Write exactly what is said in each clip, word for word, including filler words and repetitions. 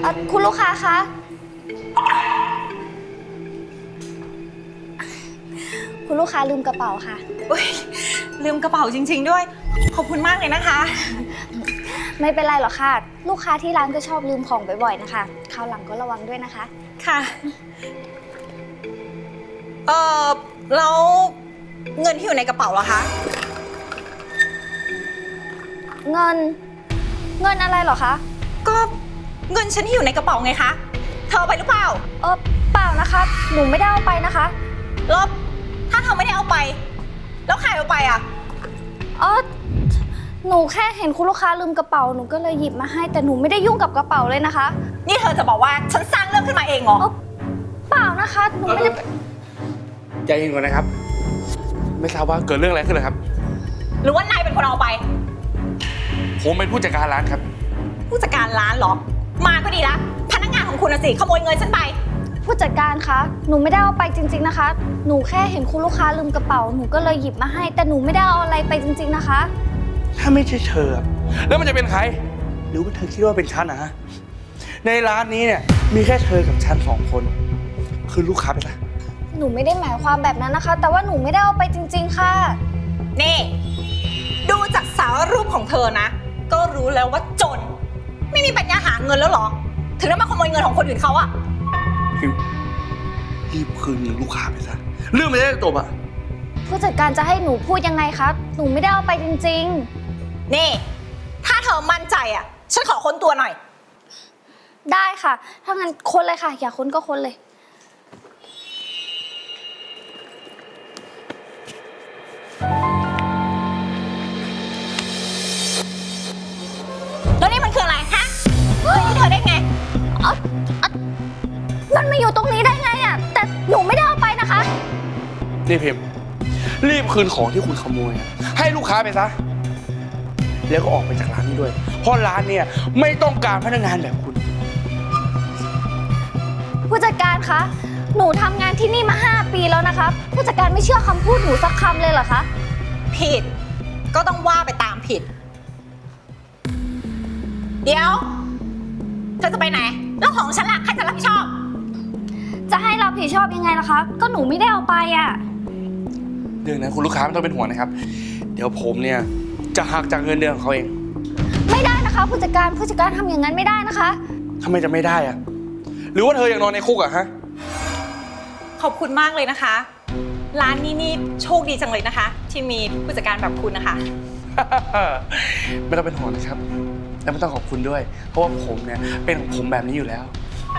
คุณลูกค้าคะคุณลูกค้าลืมกระเป๋าค่ะอุ้ยลืมกระเป๋าจริงๆด้วยขอบคุณมากเลยนะคะไม่เป็นไรหรอกค่ะลูกค้าที่ร้านก็ชอบลืมของบ่อยๆนะคะคราวหลังก็ระวังด้วยนะคะค่ะเออแล้วเงินที่อยู่ในกระเป๋าเหรอคะเงินเงินอะไรเหรอคะก็เงินฉันที่อยู่ในกระเป๋าไงคะเธอเอาไปหรือเปล่าเออเปล่านะคะหนูไม่ได้เอาไปนะคะแล้วถ้าเธอไม่ได้เอาไปแล้วใครเอาไปอ่ะเออหนูแค่เห็นคุณลูกค้าลืมกระเป๋าหนูก็เลยหยิบมาให้แต่หนูไม่ได้ยุ่งกับกระเป๋าเลยนะคะนี่เธอจะบอกว่าฉันสร้างเรื่องขึ้นมาเองเหรอเปล่านะคะหนูไม่ได้ใจเย็นก่อนนะครับไม่ทราบว่าเกิดเรื่องอะไรขึ้นเลยครับหรือว่านายเป็นคนเอาไปผมเป็นผู้จัดการร้านครับผู้จัดการร้านเหรอมาก็ดีละพนักงานของคุณสิขโมยเงินฉันไปผู้จัดการคะหนูไม่ได้เอาไปจริงๆนะคะหนูแค่เห็นคุณลูกค้าลืมกระเป๋าหนูก็เลยหยิบมาให้แต่หนูไม่ได้เอาอะไรไปจริงๆนะคะถ้าไม่ใช่เธอแล้วมันจะเป็นใครหรือว่าเธอคิดว่าเป็นฉันนะฮะในร้านนี้เนี่ยมีแค่เธอกับฉันสองคนคือลูกค้าไปละหนูไม่ได้หมายความแบบนั้นนะคะแต่ว่าหนูไม่ได้เอาไปจริงๆค่ะนี่ดูจากสารรูปของเธอนะก็รู้แล้วว่าจนไม่มีปัญญาหาเงินแล้วหรอถึงได้มาขโมยเงินของคนอื่นเขาอะพิมรีบคืนเงินลูกค้าไปซะเรื่องมันจะได้จบอะผู้จัดการจะให้หนูพูดยังไงครับหนูไม่ได้เอาไปจริงๆนี่ถ้าเธอมั่นใจอะฉันขอค้นตัวหน่อยได้ค่ะถ้างั้นค้นเลยค่ะอยากค้นก็ค้นเลยแล้วนี่มันคืออะไรฮะเฮ้ยเธอได้ไงเอ๋อมันมาอยู่ตรงนี้ได้ไงอะแต่หนูไม่ได้เอาไปนะคะนี่พิมรีบคืนของที่คุณขโมยให้ลูกค้าไปซะแล้วก็ออกไปจากร้านนี้ด้วยเพราะร้านเนี่ยไม่ต้องการพนักงานแบบคุณผู้จัดการคะหนูทำงานที่นี่มาห้าปีแล้วนะคะผู้จัดการไม่เชื่อคำพูดหนูสักคำเลยเหรอคะผิดก็ต้องว่าไปตามผิดเดี๋ยวเธอจะไปไหนแล้วของฉันล่ะใครจะรับผิดชอบจะให้รับผิดชอบยังไงล่ะคะก็หนูไม่ได้เอาไปอ่ะเรื่องนั้นคุณลูกค้าไม่ต้องเป็นห่วงนะครับเดี๋ยวผมเนี่ยจะหักจากเงินเดือนของเขาเองไม่ได้นะคะผู้จัดการผู้จัดการทำอย่างนั้นไม่ได้นะคะทำไมจะไม่ได้อะหรือว่าเธออยากนอนในคุกอะฮะขอบคุณมากเลยนะคะร้านนี้นี่โชคดีจังเลยนะคะที่มีผู้จัดการแบบคุณนะคะไม่ต้องเป็นห่วงนะครับและไม่ต้องขอบคุณด้วยเพราะว่าผมเนี่ยเป็นของผมแบบนี้อยู่แล้ว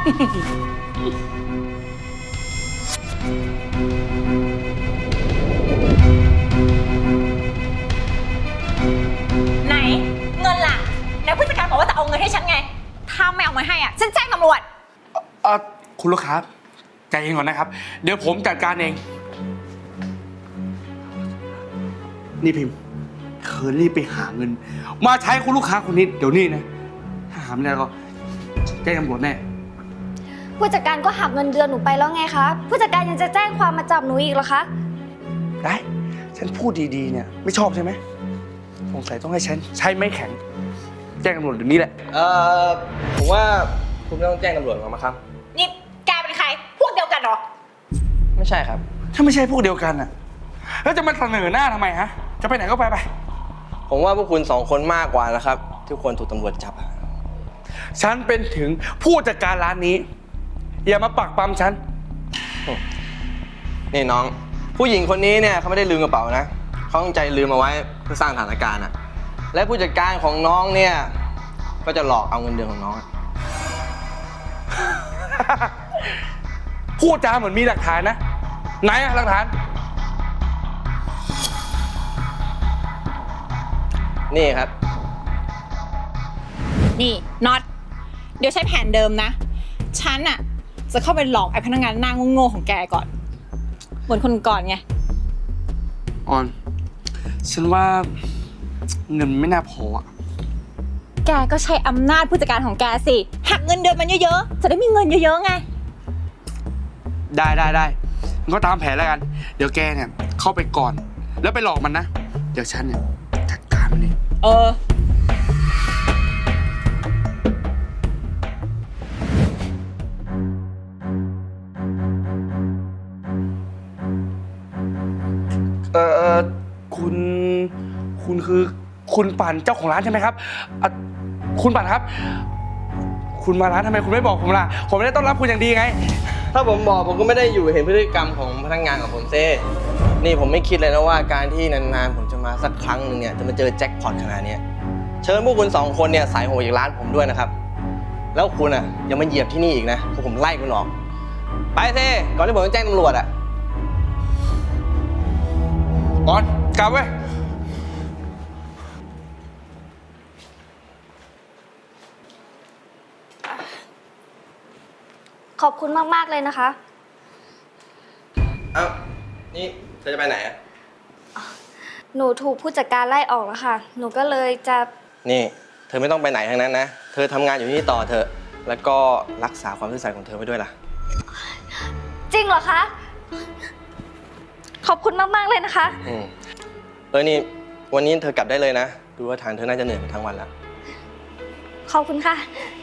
ไหนเงินล่ะแล้วผู้จัดการบอกว่าจะเอาเงินให้ฉันไงถ้าไม่เอามาให้อ่ะฉันแจ้งตำรวจเออคุณลูกค้าใจเย็นก่อนนะครับเดี๋ยวผมจัดการเองนี่พิมพ์เธอรีบไปหาเงินมาใช้คุณลูกค้าคนนี้เดี๋ยวนี้นะถ้าหาไม่ได้ก็แจ้งตำรวจแน่ผู้จัดการก็หักเงินเดือนหนูไปแล้วไงคะผู้จัดการยังจะแจ้งความมาจับหนูอีกเหรอคะได้ฉันพูดดีๆเนี่ยไม่ชอบใช่ไหมสงสัยต้องให้ฉันใช้ไม้แข็งแจ้งตำรวจเดี๋ยวนี้แหละเอ่อผมว่าคุณไม่ต้องแจ้งตำรวจหรอกมั้งครับนี่แกเป็นใครพวกเดียวกันเหรอไม่ใช่ครับถ้าไม่ใช่พวกเดียวกันอ่ะแล้วจะมาเสนอหน้าทำไมฮะจะไปไหนก็ไปไปผมว่าพวกคุณสองคนมากกว่านะครับที่ควรถูกตำรวจจับฉันเป็นถึงผู้จัดการร้านนี้อย่ามาปักปั๊มฉันนี่น้องผู้หญิงคนนี้เนี่ยเขาไม่ได้ลืมกระเป๋านะเขาตั้งใจลืมเอาไว้เพื่อสร้างสถานการณ์อะและผู้จัดการของน้องเนี่ยก็จะหลอกเอาเงินเดือนของน้องพูดจาเหมือนมีหลักฐานนะไหนอะหลักฐานนี่ครับนี่น็อตเดี๋ยวใช้แผนเดิมนะฉันอะจะเข้าไปหลอกไอ้พนักงานหน้าโง่ๆของแกก่อนเหมือนคนก่อนไงออนฉันว่าเงินไม่น่าพออะแกก็ใช้อำนาจผู้จัดการของแกสิหักเงินเดือนมันเยอะๆจะได้มีเงินเยอะๆไงได้ได้ได้มันก็ตามแผนแล้วกันเดี๋ยวแกเนี่ยเข้าไปก่อนแล้วไปหลอกมันนะเดี๋ยวฉันเนี่ยจัดการมันเองเออคุณคือคุณปั่นเจ้าของร้านใช่ไหมครับอ่ะคุณปั่นครับ คุณมาร้านทำไมคุณไม่บอกผมล่ะ ผมไม่ได้ต้อนรับคุณอย่างดีไงถ้าผมบอกผมก็ไม่ได้อยู่เห็นพฤติกรรมของพนักงานของผมเซ่นี่ผมไม่คิดเลยนะว่าการที่นานๆผมจะมาสักครั้งหนึงเนี่ยจะมาเจอแจ็คพอตขนาดเนี้ยเชิญพวกคุณสองคนเนี่ยสายหัวจากร้านผมด้วยนะครับ แล้วคุณอ่ะยังมาเหยียบที่นี่อีกนะพวกผมไล่คุณออก ไปเซ่ก่อนที่ผมจะแจ้งตำรวจอ่ะออนกลับเว้ยขอบคุณมากๆเลยนะคะเอ้านี่เธอจะไปไหนอ่ะหนูถูกผู้จัดการไล่ออกแล้วค่ะ หนูก็เลยจะนี่เธอไม่ต้องไปไหนทั้งนั้นนะเธอทำงานอยู่ที่นี่ต่อเถอะแล้วก็รักษาความซื่อสัตย์ของเธอไว้ด้วยล่ะจริงเหรอคะ ขอบคุณมากๆเลยนะคะอืมเออนี่วันนี้เธอกลับได้เลยนะ ดูว่าทางเธอน่าจะเหนื่อยมาทั้งวันแล้วขอบคุณค่ะอ